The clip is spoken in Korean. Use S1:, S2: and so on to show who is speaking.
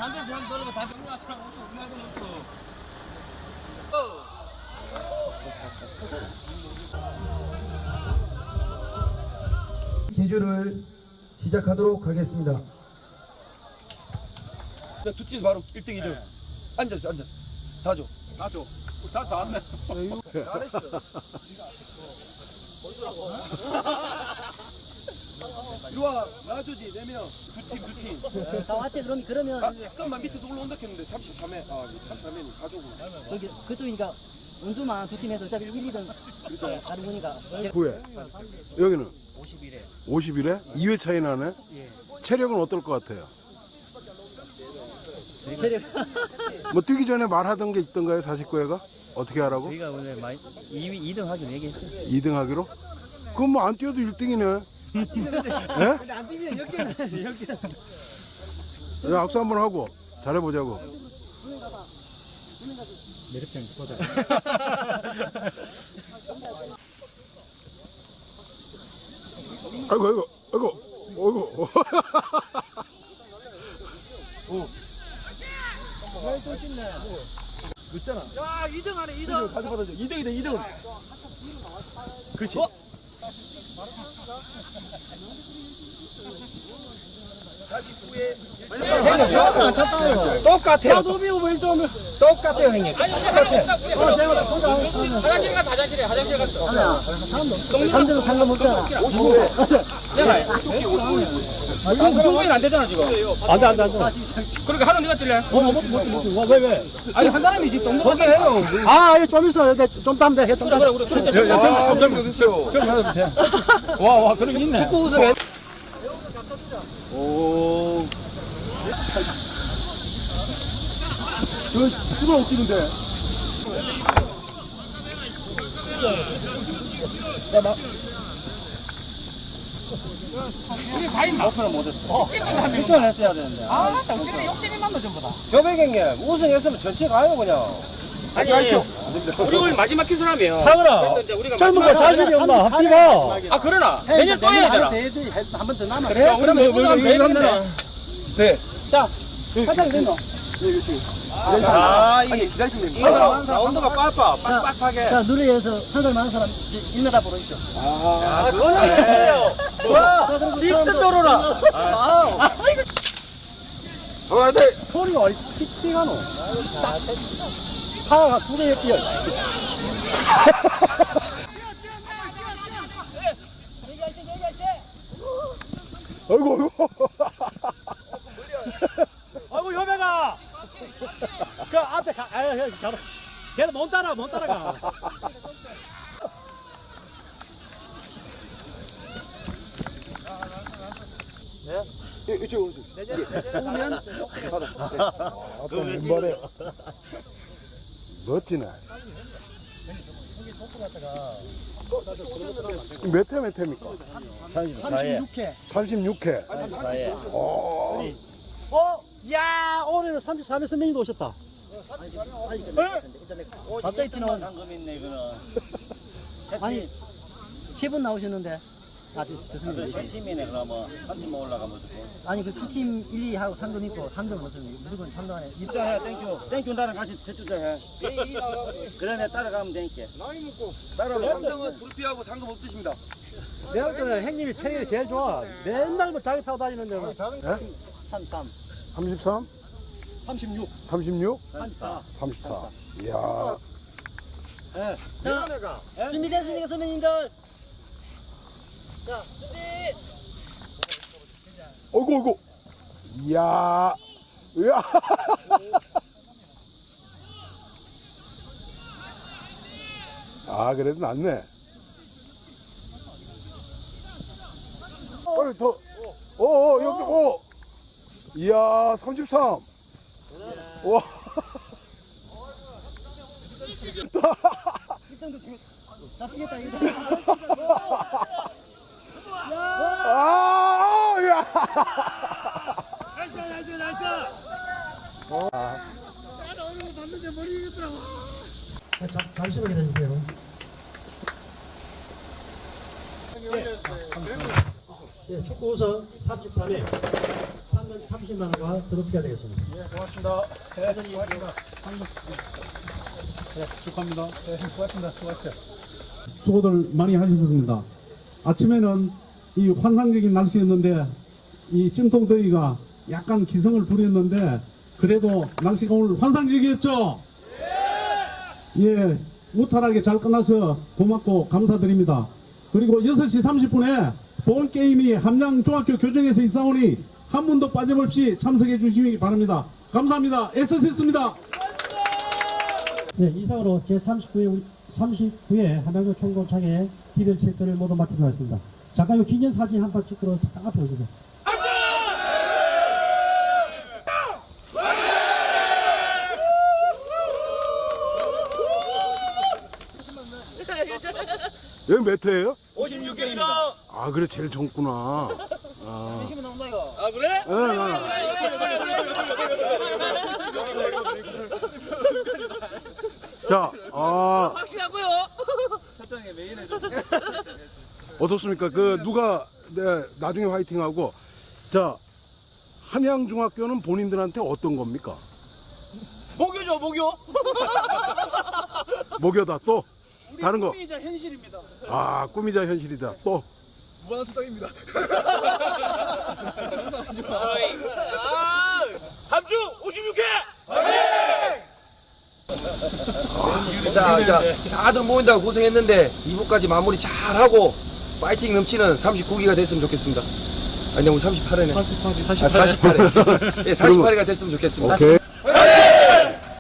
S1: 담배에서 향 떨어봐. 담배 없어. 음악은 없어.
S2: 기주를 시작하도록 하겠습니다.
S3: 두팀 바로 1등 2등. 앉아. 다 줘. 다 왔네. 잘했어. 이리 와. 놔주지. 4명. 두 팀.
S4: 다 왔지. 그러면
S3: 잠깐만 밑에서 올라온다 했는데 33회. 33회는 가족은.
S4: 여기 그쪽이니까 운수만 두 팀에서 어차피 1, 2등 그렇게 다른 거니까.
S5: 9회. 여기는 51회? 2회 차이 나네? 체력은 어떨 것 같아요?
S4: 체력.
S5: 뭐 뛰기 전에 말하던 게 있던가요? 49회가? 어떻게 하라고?
S6: 저희가 오늘 2등 하기로 얘기했어요.
S5: 2등 하기로? 그럼 뭐 안 뛰어도 1등이네. 예?
S4: 근데 안 뛰면 역전은.
S5: 악수 한번 하고 잘해보자고.
S6: 매력점 보자.
S5: 아이고.
S3: 늦잖아.
S1: 야, 2등 하네, 2등.
S3: 다시 받아줘. 2등이다. 그렇지.
S2: 똑같아요. 똑같아요, 형님.
S1: 화장실 갔어.
S4: 감정은 상관없잖아.
S1: 중국인 안 되잖아, 지금.
S6: 안 돼.
S1: 그러니까 하루 네가 뛸래?
S6: 왜?
S1: 아니, 한 사람이 지금 정도.
S2: 그렇게 해요.
S6: 아, 좀 있어. 좀 땀대. 좀 땀대.
S1: 우리 진짜.
S3: 감사합니다. 됐어요.
S6: 와, 그럼 있네.
S2: 축구 우승해.
S3: 오. 수가 웃기는데.
S1: 우리 과인 목표는 못했어.
S4: 1등을 했어야 되는데.
S1: 아, 우리는 욕심이 많다, 전부 다.
S2: 교백형님 우승했으면 전체 가요 그냥.
S1: 아니, 우리 오늘 마지막 기술하면.
S6: 상은아,
S1: 이제 우리가
S6: 젊은 거 자신이 없나? 합디가.
S1: 아, 그러나. 내년 또 해야 되나?
S4: 한번 더 남아.
S1: 그래? 그러면 우선 배우는데.
S3: 네.
S4: 사장 된거.
S3: 아, 이게 기다리시면 됩니다.
S1: 라운드가 빡빡하게.
S4: 자, 누리에서 한살 많은 사람 1m 보러 있죠.
S3: 아, 그거는
S4: 와,
S3: 직선도로라. 네.
S6: 소리가 어디 픽픽하노? 파가 두 개에 뛰어.
S5: 아이고.
S6: 아이고, 여배가. 그 앞에 가. 걔는 못 따라가.
S3: 이쪽 오세요.
S5: 또 왼발에. 멋지네. 몇 회입니까?
S6: 36회.
S5: 36회.
S6: 34회.
S5: 오.
S6: 야, 오늘은 33회 선생님도 오셨다.
S4: 갑자기 튀나온
S6: 상금 있네, 이거는.
S4: 아니 10분 나오셨는데 좋습니다.
S6: 세 팀이네, 그러면. 한 팀만 올라가면 되고.
S4: 아니 그 두 팀 1, 2하고 3등 있고 3등 무슨 무조건 3등 안에
S6: 입장해, 땡큐 나랑 같이 세주자해. 그래, 내 따라가면 되니까.
S3: 따라오세요. 3등은 불피하고 상금 없으십니다.
S6: 내가 볼 때는 형님이 체력이 제일 좋아. 맨날 뭐 자기 타고 다니는데.
S4: 33.
S5: 33?
S6: 36.
S5: 36?
S6: 34.
S5: 34. 이야.
S4: 자, 준비됐습니까 선배님들? 자, 준비.
S5: 어이구. 이야. 아, 그래도 낫네. 빨리 더. 여기, 이야, 33. 와.
S4: 자, 뛰겠다 이거.
S5: 야.
S2: 잠시만 기다려주세요. 축구 우승 33회
S7: 30만 원과 드롭해야 되겠습니다.
S3: 고맙습니다.
S8: 축하합니다.
S3: 고맙습니다. 수고하셨어요.
S8: 수고들 많이 하셨습니다. 아침에는 이 환상적인 날씨였는데 이 찜통더위가 약간 기승을 부렸는데 그래도 날씨가 오늘 환상적이었죠? 예, 무탈하게 잘 끝나서 고맙고 감사드립니다. 그리고 6시 30분에 본 게임이 함양중학교 교정에서 있사오니 한 분도 빠짐없이 참석해 주시기 바랍니다. 감사합니다. 애써셨습니다.
S7: 네, 이상으로 제39회 함양주 총동창회 기별 체크를 모두 마치도록 하겠습니다. 잠깐 요 기념사진 한 번 찍도록 잠깐 앞에 오시죠.
S5: 여기 몇 회예요?
S1: 56개입니다.
S5: 아 그래 제일 젊구나.
S1: 아, 그래?
S5: 자,
S1: 확실하고요.
S5: 어떻습니까? 그 누가 나중에 화이팅하고 자 함양중학교는 본인들한테 어떤 겁니까?
S1: 목요죠, 목요.
S5: 목요다 또 다른 거.
S1: 꿈이자 현실입니다.
S5: 아 꿈이자 현실이다 또.
S3: 무한한 수당입니다.
S1: 저희 함주 56회.
S2: 자, 다들 모인다고 고생했는데 2부까지 마무리 잘하고 파이팅 넘치는 39기가 됐으면 좋겠습니다. 아니, 우리 38회네. 48회. 예, 48회가 됐으면 좋겠습니다.
S5: 오케이.